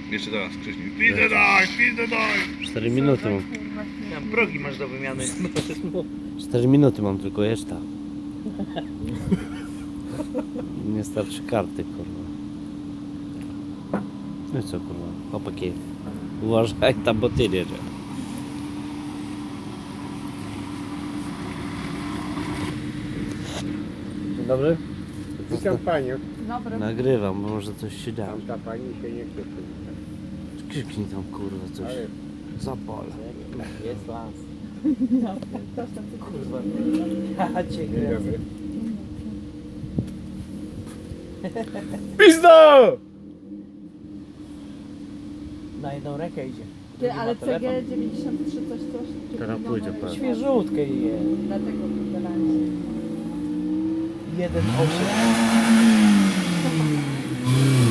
Jeszcze teraz, wcześniej. Pizdę daj! 4 minuty mam. Tam progi masz do wymiany. 4 minuty mam tylko jeszcze. Nie starczy karty, kurwa. No i co, kurwa? Chłopaki, uważaj tam, bo ty jedzie. Dzień dobry. Witam panią. Dobry. Nagrywam, bo może coś się da. Tamta pani się nie chce przywitać. Krzyknij tam, kurwa, coś. Ale Zapal. Jest las. Kurwa. Ja cię dzień grę. dobry. Pizdo! Na jedną rękę idzie. Ty, ale Ma telefon. CG 93 coś. Teraz pójdzie, pewnie. Świeżutkie je. Dlatego wybrałem. 1,8.